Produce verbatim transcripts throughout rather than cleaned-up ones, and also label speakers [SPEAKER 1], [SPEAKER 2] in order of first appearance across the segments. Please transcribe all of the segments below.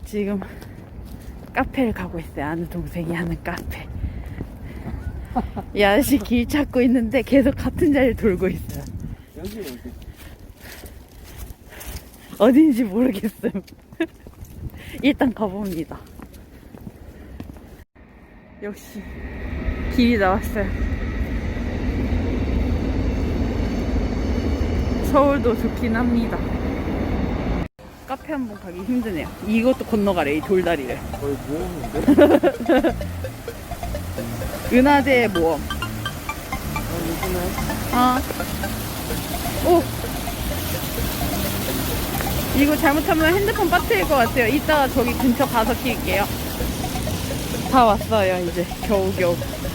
[SPEAKER 1] 지금 카페를 가고 있어요. 아는 동생이 하는 카페. 이 아저씨 길 찾고 있는데 계속 같은 자리를 돌고 있어요.
[SPEAKER 2] 여기 어디?
[SPEAKER 1] 어딘지 모르겠음. 일단 가봅니다. 역시 길이 나왔어요. 서울도 좋긴 합니다. 카페 한번 가기 힘드네요. 이것도 건너가래, 이 돌다리를.
[SPEAKER 2] 거의 모험인데?
[SPEAKER 1] 은하대 모험.
[SPEAKER 2] 아, 요즘에?
[SPEAKER 1] 아. 오! 이거 잘못하면 핸드폰 빠뜨릴 것 같아요. 이따가 저기 근처 가서 킬게요. 다 왔어요, 이제. 겨우겨우.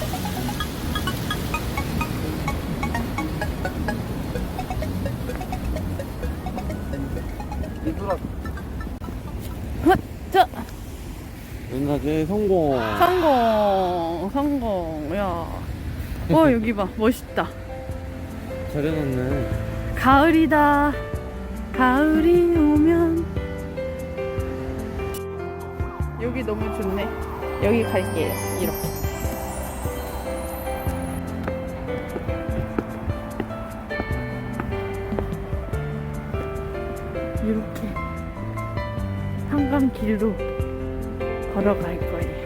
[SPEAKER 2] 얘들아.
[SPEAKER 1] 헛! 저!
[SPEAKER 2] 은하제 성공.
[SPEAKER 1] 성공! 성공! 야. 어, 여기 봐. 멋있다.
[SPEAKER 2] 잘 해놨네.
[SPEAKER 1] 가을이다. 가을이 오면. 여기 너무 좋네. 여기 갈게요. 이렇게. 이렇게 한강길로 걸어갈 거예요.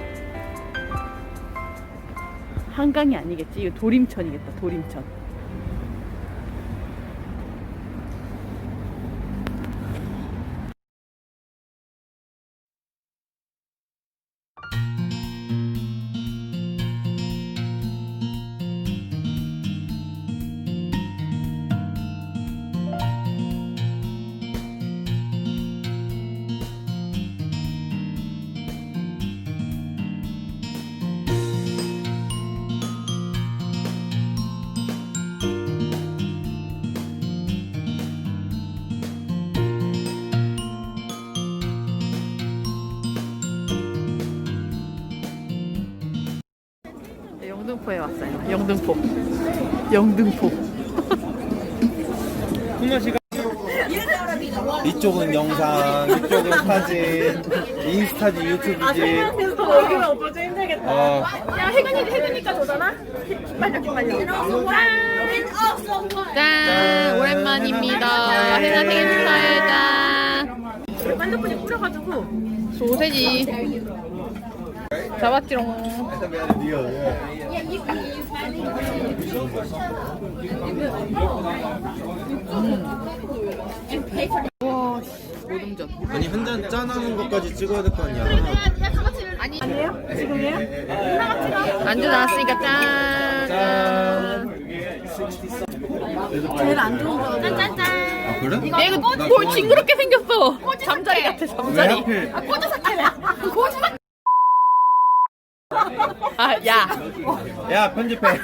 [SPEAKER 1] 한강이 아니겠지? 이거 도림천이겠다. 도림천. 영등포에 왔어요. 영등포. 영등포.
[SPEAKER 2] 풍마씨가 이쪽은 영상, 이쪽은 사진, 인스타지, 유튜브지.
[SPEAKER 3] 여기가 오빠 좀 힘들겠다.
[SPEAKER 2] 아,
[SPEAKER 3] 야, 혜근이, 혜근이가 도잖아? 빨리, 빨리.
[SPEAKER 1] 짠! 오랜만입니다. 해나 생일 축하해. 짠!
[SPEAKER 3] 반죽분이 뿌려가지고.
[SPEAKER 1] 소세지. 잡았지롱. 와, 모듬전.
[SPEAKER 2] 아니 한 잔 짠하는 것까지 찍어야 될 거 아니야.
[SPEAKER 1] 아니,
[SPEAKER 3] 아니에요? 지금이에요?
[SPEAKER 1] 안주 나왔으니까 짠.
[SPEAKER 2] 짠.
[SPEAKER 3] 제일 안 좋은 거. 짠짠짠.
[SPEAKER 2] 아 그래?
[SPEAKER 1] 얘 이거 뭘 징그럽게 생겼어. 잠자리 같아,
[SPEAKER 2] 왜
[SPEAKER 1] 잠자리.
[SPEAKER 2] 하필?
[SPEAKER 1] 아, 야.
[SPEAKER 2] 야 편집해.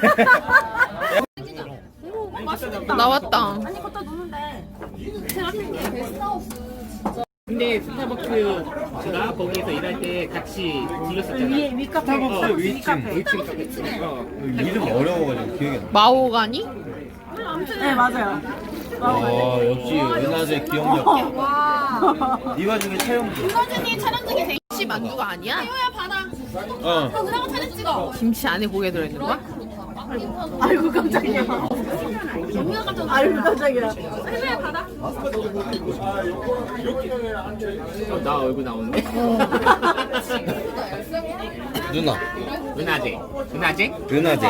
[SPEAKER 1] 나왔다.
[SPEAKER 3] 아니, 걷다 놓는데.
[SPEAKER 4] 근데 스타벅스가 거기에서 일할 때 같이 들렸었잖아.
[SPEAKER 3] 위에, 위카페.
[SPEAKER 2] 스타벅스 위층. 이름 어려워가지고 기억이 안 나.
[SPEAKER 1] 마호가니?
[SPEAKER 3] 네, 맞아요.
[SPEAKER 2] 아 역시 은하제 기억력.
[SPEAKER 3] 와.
[SPEAKER 2] 이 와중에 차영주.
[SPEAKER 1] 김치 만두가 아니야?
[SPEAKER 2] 어.
[SPEAKER 1] 김치 안에 고개 들어있는 거야?
[SPEAKER 3] 아이고, 깜짝이야. 아이고, 깜짝이야.
[SPEAKER 4] 어, 나 얼굴 나오는데?
[SPEAKER 2] 누나.
[SPEAKER 4] 은하제. 은하제?
[SPEAKER 2] 은하제.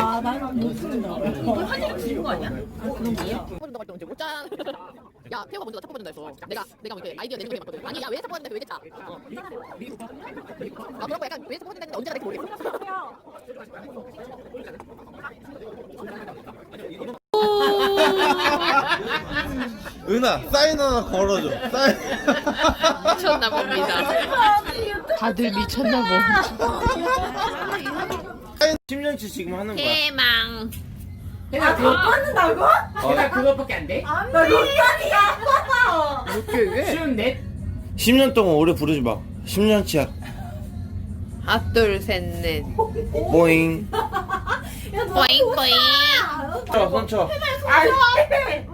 [SPEAKER 1] 야, 태호가 먼저 나 첫 번째 했어. 내가 내가 뭐 이렇게 아이디어 내는 게 많거든. 아니, 야, 왜 첫 번째 왜 됐다? 아, 그런 거 약간 왜 첫 번째 했는데 언제가 될지 모르겠어.
[SPEAKER 2] 은하 사인 하나 걸어줘. 사인.
[SPEAKER 1] 미쳤나 봅니다. 다들 미쳤나 보.
[SPEAKER 2] 십 년치 지금 하는 거야.
[SPEAKER 1] 해망.
[SPEAKER 3] 아, 그거 끊는다고?
[SPEAKER 4] 내가 그것밖에 안 돼?
[SPEAKER 3] 나 롯데리아.
[SPEAKER 1] 이렇게 왜?
[SPEAKER 4] 쉬운 넷?
[SPEAKER 2] 십 년 동안 오래 부르지 마. 십 년치야.
[SPEAKER 1] 하나, 둘, 셋, 넷.
[SPEAKER 2] 보잉.
[SPEAKER 1] 뿌잉, 뿌잉.
[SPEAKER 2] 쳐, 손 쳐.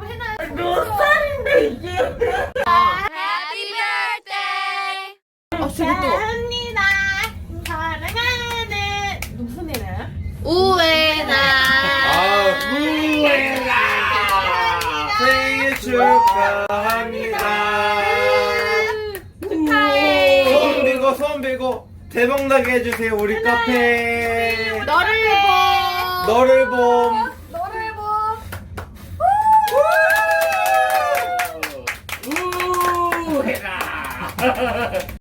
[SPEAKER 3] 몇 살인데, 이게?
[SPEAKER 1] Happy birthday. 아,
[SPEAKER 3] 우에나.
[SPEAKER 2] 아,
[SPEAKER 4] 우에라.
[SPEAKER 2] 생일 축하합니다.
[SPEAKER 3] 축하해.
[SPEAKER 2] 손 빌고 손 빌고 대박 나게 해주세요 우리 카페.
[SPEAKER 3] 너를 봄.
[SPEAKER 2] 너를 봄.
[SPEAKER 3] 너를 봄.
[SPEAKER 4] 우에라.